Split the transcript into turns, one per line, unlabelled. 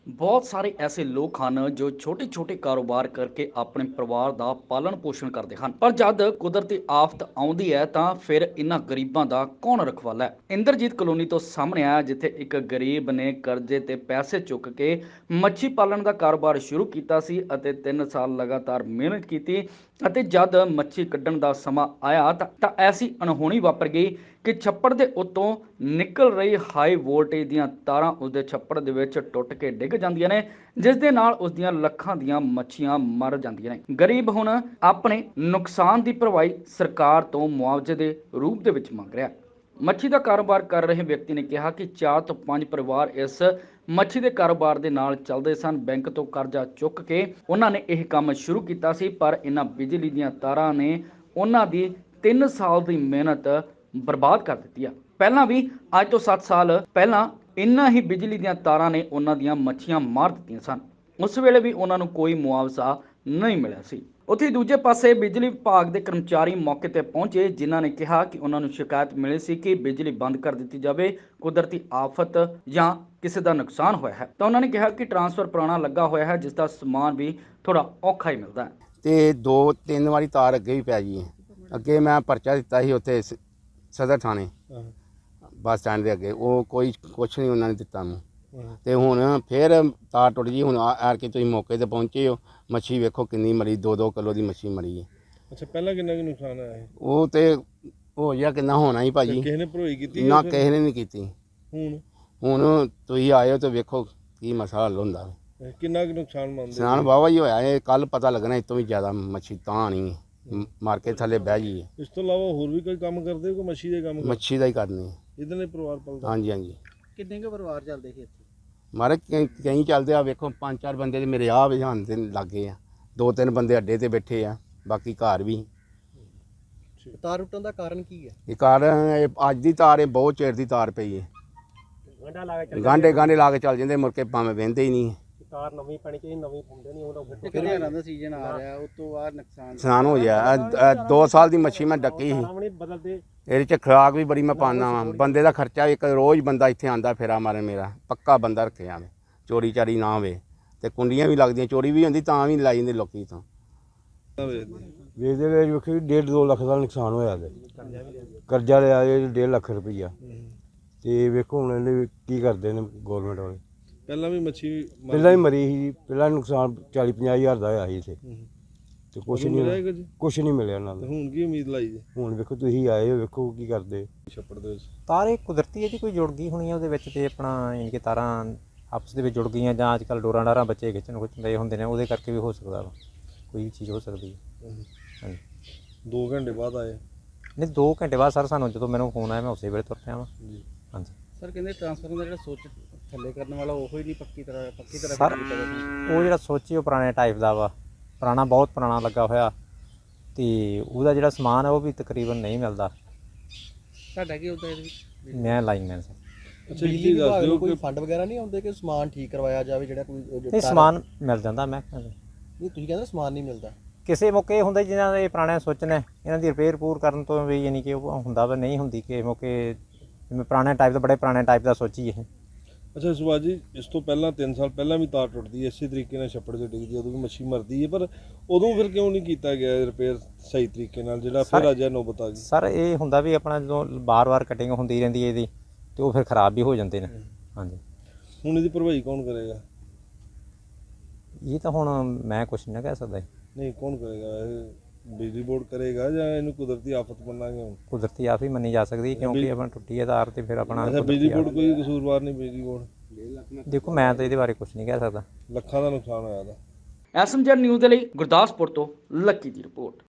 ਬਹੁਤ ਸਾਰੇ ਐਸੇ ਲੋਕ ਹਨ ਜੋ ਛੋਟੇ ਛੋਟੇ ਕਾਰੋਬਾਰ ਕਰਕੇ ਆਪਣੇ ਪਰਿਵਾਰ ਦਾ ਪਾਲਣ ਪੋਸ਼ਣ ਕਰਦੇ ਹਨ, ਪਰ ਜਦ ਕੁਦਰਤੀ ਆਫਤ ਆਉਂਦੀ ਹੈ ਤਾਂ ਫਿਰ ਇਹਨਾਂ ਗਰੀਬਾਂ ਦਾ ਕੌਣ ਰਖਵਾਲਾ ਹੈ। ਇੰਦਰਜੀਤ ਕਲੋਨੀ ਤੋਂ ਸਾਹਮਣੇ ਆਇਆ, ਜਿੱਥੇ ਇੱਕ ਗਰੀਬ ਨੇ ਕਰਜ਼ੇ ਤੇ ਪੈਸੇ ਚੁੱਕ ਕੇ ਮੱਛੀ ਪਾਲਣ ਦਾ ਕਾਰੋਬਾਰ ਸ਼ੁਰੂ ਕੀਤਾ ਸੀ ਅਤੇ 3 ਸਾਲ ਲਗਾਤਾਰ ਮਿਹਨਤ ਕੀਤੀ ਅਤੇ ਜਦ ਮੱਛੀ ਕੱਢਣ ਦਾ ਸਮਾਂ ਆਇਆ ਤਾਂ ਐਸੀ ਅਣਹੋਣੀ ਵਾਪਰ ਗਈ ਕਿ ਛੱਪੜ ਦੇ ਉੱਤੋਂ ਨਿਕਲ ਰਹੀ ਹਾਈ ਵੋਲਟੇਜ ਦੀਆਂ ਤਾਰਾਂ ਉਸਦੇ ਛੱਪੜ ਦੇ ਵਿੱਚ ਟੁੱਟ ਕੇ ਡਿੱਗ ਜਾਂਦੀਆਂ ਨੇ, ਜਿਸ ਦੇ ਨਾਲ ਉਸ ਦੀਆਂ ਲੱਖਾਂ ਦੀਆਂ ਮੱਛੀਆਂ ਮਰ ਜਾਂਦੀਆਂ ਨੇ। ਗਰੀਬ ਹੁਣ ਆਪਣੇ ਨੁਕਸਾਨ ਦੀ ਭਰਵਾਈ ਸਰਕਾਰ ਤੋਂ ਮੁਆਵਜ਼ੇ ਦੇ ਰੂਪ ਦੇ ਵਿੱਚ ਮੰਗ ਰਿਹਾ। ਮੱਛੀ ਦਾ ਕਾਰੋਬਾਰ ਕਰ ਰਹੇ ਵਿਅਕਤੀ ਨੇ ਕਿਹਾ ਕਿ 4 ਤੋਂ 5 ਪਰਿਵਾਰ ਇਸ ਮੱਛੀ ਦੇ ਕਾਰੋਬਾਰ ਦੇ ਨਾਲ ਚੱਲਦੇ ਸਨ। ਬੈਂਕ ਤੋਂ ਕਰਜ਼ਾ ਚੁੱਕ ਕੇ ਉਹਨਾਂ ਨੇ ਇਹ ਕੰਮ ਸ਼ੁਰੂ ਕੀਤਾ ਸੀ, ਪਰ ਇਹਨਾਂ ਬਿਜਲੀ ਦੀਆਂ ਤਾਰਾਂ ਨੇ ਉਹਨਾਂ ਦੀ 3 ਸਾਲ ਦੀ ਮਿਹਨਤ ਬਰਬਾਦ ਕਰ ਦਿੱਤੀ ਆ। ਪਹਿਲਾਂ ਵੀ ਅੱਜ ਤੋਂ 7 ਸਾਲ ਪਹਿਲਾਂ ਇੰਨਾ ਹੀ ਬਿਜਲੀ ਦੀਆਂ ਤਾਰਾਂ ਨੇ ਉਹਨਾਂ ਦੀਆਂ ਮੱਛੀਆਂ ਮਾਰ ਦਿੱਤੀਆਂ ਸਨ। ਉਸ ਵੇਲੇ ਵੀ ਉਹਨਾਂ ਨੂੰ ਕੋਈ ਮੁਆਵਜ਼ਾ ਨਹੀਂ ਮਿਲਿਆ ਸੀ। ਉੱਥੇ ਦੂਜੇ ਪਾਸੇ ਬਿਜਲੀ ਵਿਭਾਗ ਦੇ ਕਰਮਚਾਰੀ ਮੌਕੇ ਤੇ ਪਹੁੰਚੇ, ਜਿਨ੍ਹਾਂ ਨੇ ਕਿਹਾ ਕਿ ਉਹਨਾਂ ਨੂੰ ਸ਼ਿਕਾਇਤ ਮਿਲੀ ਸੀ ਕਿ ਬਿਜਲੀ ਬੰਦ ਕਰ ਦਿੱਤੀ ਜਾਵੇ, ਕੁਦਰਤੀ ਆਫਤ ਜਾਂ ਕਿਸੇ ਦਾ ਨੁਕਸਾਨ ਹੋਇਆ ਹੈ। ਤਾਂ ਉਹਨਾਂ ਨੇ ਕਿਹਾ ਕਿ ਟਰਾਂਸਫਰ ਪੁਰਾਣਾ ਲੱਗਾ ਹੋਇਆ ਹੈ, ਜਿਸ ਦਾ ਸਮਾਨ ਵੀ ਥੋੜਾ ਔਖਾ ਹੀ ਮਿਲਦਾ ਹੈ
ਤੇ 2-3 ਵਾਰੀ ਤਾਰ ਅੱਗੇ ਵੀ ਪੈ ਗਈ ਹੈ। ਅੱਗੇ ਮੈਂ ਪਰਚਾ ਦਿੱਤਾ ਸੀ ਉੱਥੇ ਸਦਰ ਥਾਣੇ ਬੱਸ ਸਟੈਂਡ ਦੇ ਅੱਗੇ, ਉਹ ਕੁਛ ਨਹੀਂ ਉਹਨਾਂ ਨੇ ਦਿੱਤਾ ਮੈਨੂੰ। ਤੇ ਹੁਣ ਫਿਰ ਤਾਰ ਟੁੱਟ ਗਈ। ਹੁਣ ਆਰ ਕੇ ਤੁਸੀਂ ਮੌਕੇ ਤੇ ਪਹੁੰਚੇ ਹੋ, ਮੱਛੀ ਵੇਖੋ ਕਿੰਨੀ ਮਰੀ, 2-2 ਕਿਲੋ ਦੀ ਮੱਛੀ ਮਰੀ ਹੈ।
ਅੱਛਾ, ਪਹਿਲਾਂ ਕਿੰਨਾ ਕੁ ਨੁਕਸਾਨ ਆਇਆ ਹੈ?
ਉਹ ਤੇ ਹੋ ਗਿਆ ਕਿੰਨਾ ਹੋਣਾ ਹੀ ਭਾਜੀ।
ਕਿਸੇ ਨੇ ਭਰੋਈ ਕੀਤੀ
ਨਾ ਕਿਸੇ ਨੇ ਨਹੀਂ ਕੀਤੀ। ਹੁਣ ਤੁਸੀਂ ਆਏ ਹੋ ਤੇ ਵੇਖੋ ਕੀ ਮਸਲਾ ਹੱਲ ਹੁੰਦਾ।
ਕਿੰਨਾ ਕੁ ਨੁਕਸਾਨ ਮੰਨਦੇ?
ਨੁਕਸਾਨ ਵਾਹਵਾ ਹੀ ਹੋਇਆ ਹੈ। ਕੱਲ ਪਤਾ ਲੱਗਣਾ ਇਸ ਤੋਂ ਵੀ ਜ਼ਿਆਦਾ ਮੱਛੀ ਤਾਂ ਆਣੀ ਹੈ, ਮਾਰ ਕੇ ਥੱਲੇ ਬਹਿ ਗਈ ਹੈ।
ਇਸ ਤੋਂ ਇਲਾਵਾ ਹੋਰ ਵੀ ਕੋਈ ਕੰਮ ਕਰਦੇ ਹੋ? ਕੋਈ ਮੱਛੀ ਦੇ ਕੰਮ?
ਮੱਛੀ ਦਾ ਹੀ ਕਰਨੀ ਹੈ।
ਇਹਦੇ ਨਾਲ ਪਰਿਵਾਰ ਪਲਦਾ?
ਹਾਂਜੀ ਹਾਂਜੀ।
ਕਿੰਨੇ ਕੁ ਪਰਿਵਾਰ ਚੱਲਦੇ ਸੀ ਇੱਥੇ?
ਮਾਰੇ ਕਈ ਚੱਲਦੇ ਆ, ਵੇਖੋ 5-4 ਬੰਦੇ ਤੇ ਮੇਰੇ ਆਹ ਵਿਹਾਨ ਤੇ ਲੱਗੇ ਆ, 2-3 ਬੰਦੇ ਅੱਡੇ ਤੇ ਬੈਠੇ ਆ, ਬਾਕੀ ਘਰ ਵੀ।
ਤਾਰ ਟੁੱਟਣ ਦਾ ਕਾਰਨ ਕੀ ਹੈ?
ਇਹ ਕਾਰਨ ਅੱਜ ਦੀ ਤਾਰ ਹੈ, ਬਹੁਤ ਚਿਰ ਦੀ ਤਾਰ ਪਈ ਹੈ। ਗਾਂਢੇ ਲਾ ਕੇ ਚੱਲ ਜਾਂਦੇ, ਮੁੜ ਕੇ ਭਾਵੇਂ ਵਹਿੰਦੇ ਹੀ ਨਹੀਂ।
ਤਾਰ ਨਵੀਂ ਪੈਣੀ ਚਾਹੀਦੀ, ਨਵੀਂ ਪਾਉਂਦੇ ਨਹੀਂ ਉਹਦਾ। ਫਿਰ ਹੜ੍ਹਾਂ ਦਾ ਸੀਜ਼ਨ ਆ ਰਿਹਾ, ਉਸ ਤੋਂ ਬਾਅਦ
ਨੁਕਸਾਨ ਹੋ ਗਿਆ। 2 ਸਾਲ ਦੀ ਮੱਛੀ ਮੈਂ ਡੱਕੀ ਸੀ। ਇਹਦੇ 'ਚ ਖੁਰਾਕ ਵੀ ਬੜੀ ਮੈਂ ਪਾਉਂਦਾ ਵਾਂ। ਬੰਦੇ ਦਾ ਖਰਚਾ ਇੱਕ ਰੋਜ਼ ਬੰਦਾ ਇੱਥੇ ਆਉਂਦਾ ਫੇਰਾ ਮਾਰਨ, ਮੇਰਾ ਪੱਕਾ ਬੰਦਾ ਰੱਖਿਆ ਮੈਂ, ਚੋਰੀ ਚਾਰੀ ਨਾ ਹੋਵੇ। ਤੇ ਕੁੰਡੀਆਂ ਵੀ ਲੱਗਦੀਆਂ, ਚੋਰੀ ਵੀ ਹੁੰਦੀ ਤਾਂ ਵੀ ਲਾਈ ਜਾਂਦੇ ਲੋਕੀ ਤੋਂ।
ਵੇਚਦੇ ਵੇਚ ਵੇਖੀ 1.5-2 ਲੱਖ ਦਾ ਨੁਕਸਾਨ ਹੋਇਆ। ਕਰਜ਼ਾ ਲਿਆ 1.5 ਲੱਖ ਰੁਪਈਆ। ਤੇ ਵੇਖੋ ਹੁਣ ਇਹਨੇ ਕੀ ਕਰਦੇ ਨੇ ਗੌਰਮੈਂਟ ਵਾਲੇ।
ਪਹਿਲਾਂ ਵੀ ਮੱਛੀ
ਪਹਿਲਾਂ ਹੀ ਮਰੀ ਸੀ, ਪਹਿਲਾਂ ਨੁਕਸਾਨ 40-50 ਹਜ਼ਾਰ ਦਾ ਹੋਇਆ ਸੀ ਇੱਥੇ, ਤੇ ਕੁਛ ਨਹੀਂ ਮਿਲਿਆ ਇਹਨਾਂ ਦਾ।
ਹੁਣ ਕੀ ਉਮੀਦ ਲਾਈ ਜੀ?
ਹੁਣ ਵੇਖੋ ਤੁਸੀਂ ਆਏ ਹੋ, ਵੇਖੋ ਕੀ ਕਰਦੇ
ਛੱਪੜ ਦੇ ਵਿੱਚ।
ਤਾਰ ਇਹ ਕੁਦਰਤੀ ਹੈ ਜੀ, ਕੋਈ ਜੁੜ ਗਈ ਹੋਣੀ ਹੈ ਉਹਦੇ ਵਿੱਚ, ਤੇ ਆਪਣਾ ਯਾਨੀ ਕਿ ਤਾਰਾਂ ਆਪਸ ਦੇ ਵਿੱਚ ਜੁੜ ਗਈਆਂ, ਜਾਂ ਅੱਜ ਕੱਲ੍ਹ ਡੋਰਾਂ ਡਾਰਾਂ ਬੱਚੇ ਖਿੱਚਣ ਦੇ ਹੁੰਦੇ ਨੇ, ਉਹਦੇ ਕਰਕੇ ਵੀ ਹੋ ਸਕਦਾ ਵਾ, ਕੋਈ ਵੀ ਚੀਜ਼ ਹੋ ਸਕਦੀ ਹੈ। ਹਾਂਜੀ।
2 ਘੰਟੇ ਬਾਅਦ ਆਏ?
ਨਹੀਂ, 2 ਘੰਟੇ ਬਾਅਦ ਸਰ ਸਾਨੂੰ ਜਦੋਂ ਮੈਨੂੰ ਫੋਨ ਆਇਆ ਮੈਂ ਉਸੇ ਵੇਲੇ ਤੁਰ ਪਿਆ ਵਾਂ
ਜੀ।
ਹਾਂਜੀ
ਸਰ, ਕਹਿੰਦੇ ਟਰਾਂਸਫਾਰਮਰ ਦਾ ਜਿਹੜਾ ਸੁੱਚ ਥੱਲੇ ਕਰਨ ਵਾਲਾ ਉਹ ਹੀ ਨਹੀਂ ਪੱਕੀ ਤਰ੍ਹਾਂ
ਸਰ, ਉਹ ਜਿਹੜਾ ਸੁੱਚ ਉਹ ਪੁਰਾਣੇ ਟਾਈਪ ਦਾ ਵਾ, ਪੁਰਾਣਾ, ਬਹੁਤ ਪੁਰਾਣਾ ਲੱਗਾ ਹੋਇਆ, ਤੇ ਉਹਦਾ ਜਿਹੜਾ ਸਮਾਨ ਹੈ ਉਹ ਵੀ ਤਕਰੀਬਨ ਨਹੀਂ ਮਿਲਦਾ।
ਤੁਹਾਡਾ ਕੀ ਹੁੰਦਾ ਇਹਦੇ ਵਿੱਚ?
ਮੈਂ ਲਾਈਨਮੈਨ ਸਰ।
ਅੱਛਾ,
ਬਿਜਲੀ ਵਿਭਾਗ ਨੂੰ ਕੋਈ ਫੰਡ ਵਗੈਰਾ ਨਹੀਂ ਆਉਂਦੇ ਕਿ ਸਮਾਨ ਠੀਕ ਕਰਵਾਇਆ ਜਾਵੇ? ਜਿਹੜਾ ਕੋਈ
ਨਹੀਂ, ਸਮਾਨ ਮਿਲ ਜਾਂਦਾ। ਮੈਂ
ਨਹੀਂ, ਤੁਸੀਂ ਕਹਿੰਦੇ ਸਮਾਨ ਨਹੀਂ ਮਿਲਦਾ।
ਕਿਸੇ ਮੌਕੇ ਹੁੰਦਾ ਜਿਹਨਾਂ ਦੇ ਪੁਰਾਣੇ ਸੁੱਚ ਨੇ, ਇਹਨਾਂ ਦੀ ਰਿਪੇਅਰ ਪੂਰ ਕਰਨ ਤੋਂ ਵੀ ਯਾਨੀ ਕਿ ਉਹ ਹੁੰਦਾ ਵਾ, ਨਹੀਂ ਹੁੰਦੀ ਕਿਸੇ ਮੌਕੇ। ਜਿਵੇਂ ਪੁਰਾਣੇ ਟਾਈਪ ਦਾ, ਬੜੇ ਪੁਰਾਣੇ ਟਾਈਪ ਦਾ ਸੁੱਚ ਹੀ ਇਹ।
ਅੱਛਾ ਸੁਭਾਸ਼ ਜੀ, ਇਸ ਤੋਂ ਪਹਿਲਾਂ 3 ਸਾਲ ਪਹਿਲਾਂ ਵੀ ਤਾਰ ਟੁੱਟਦੀ ਹੈ ਇਸੇ ਤਰੀਕੇ ਨਾਲ, ਛੱਪੜ 'ਚ ਡਿੱਗਦੀ, ਉਦੋਂ ਵੀ ਮੱਛੀ ਮਰਦੀ ਹੈ, ਪਰ ਉਦੋਂ ਫਿਰ ਕਿਉਂ ਨਹੀਂ ਕੀਤਾ ਗਿਆ ਰਿਪੇਅਰ ਸਹੀ ਤਰੀਕੇ ਨਾਲ, ਜਿਹੜਾ ਫਿਰ ਅੱਜ ਨੌਬਤ ਆ ਗਈ?
ਸਰ, ਇਹ ਹੁੰਦਾ ਵੀ ਆਪਣਾ ਜਦੋਂ ਬਾਰ-ਬਾਰ ਕਟਿੰਗ ਹੁੰਦੀ ਰਹਿੰਦੀ ਹੈ ਇਹਦੀ, ਤੇ ਉਹ ਫਿਰ ਖ਼ਰਾਬ ਵੀ ਹੋ ਜਾਂਦੇ ਨੇ। ਹਾਂਜੀ।
ਹੁਣ ਇਹਦੀ ਭਰਵਾਈ ਕੌਣ ਕਰੇਗਾ?
ਇਹ ਤਾਂ ਹੁਣ ਮੈਂ ਕੁਛ ਨਹੀਂ ਕਹਿ ਸਕਦਾ।
ਨਹੀਂ, ਕੌਣ ਕਰੇਗਾ? ਇਹ ਬਿਜਲੀ ਬੋਰਡ ਕਰੇਗਾ ਜਾਂ ਇਹਨੂੰ ਕੁਦਰਤੀ ਆਫਤ ਮੰਨਾਂਗੇ? ਹੁਣ
ਕੁਦਰਤੀ ਆਫਤ ਹੀ ਮੰਨੀ ਜਾ ਸਕਦੀ, ਕਿਉਂਕਿ ਆਪਣਾ ਟੁੱਟੀ ਹੈ ਤਾਰ, ਤੇ ਫਿਰ ਆਪਣਾ
ਬਿਜਲੀ ਬੋਰਡ ਕੋਈ ਕਸੂਰਵਾਰ ਨਹੀਂ? ਬਿਜਲੀ ਬੋਰਡ
ਦੇਖੋ, ਮੈਂ ਤਾਂ ਇਹਦੇ ਬਾਰੇ ਕੁਛ ਨਹੀਂ ਕਹਿ ਸਕਦਾ।
ਲੱਖਾਂ ਦਾ ਨੁਕਸਾਨ ਹੋਇਆ ਦਾ।
ਐਸਐਮਜੈਡ ਨਿਊਜ਼ ਦੇ ਲਈ ਗੁਰਦਾਸਪੁਰ ਤੋਂ ਲੱਕੀ ਦੀ ਰਿਪੋਰਟ।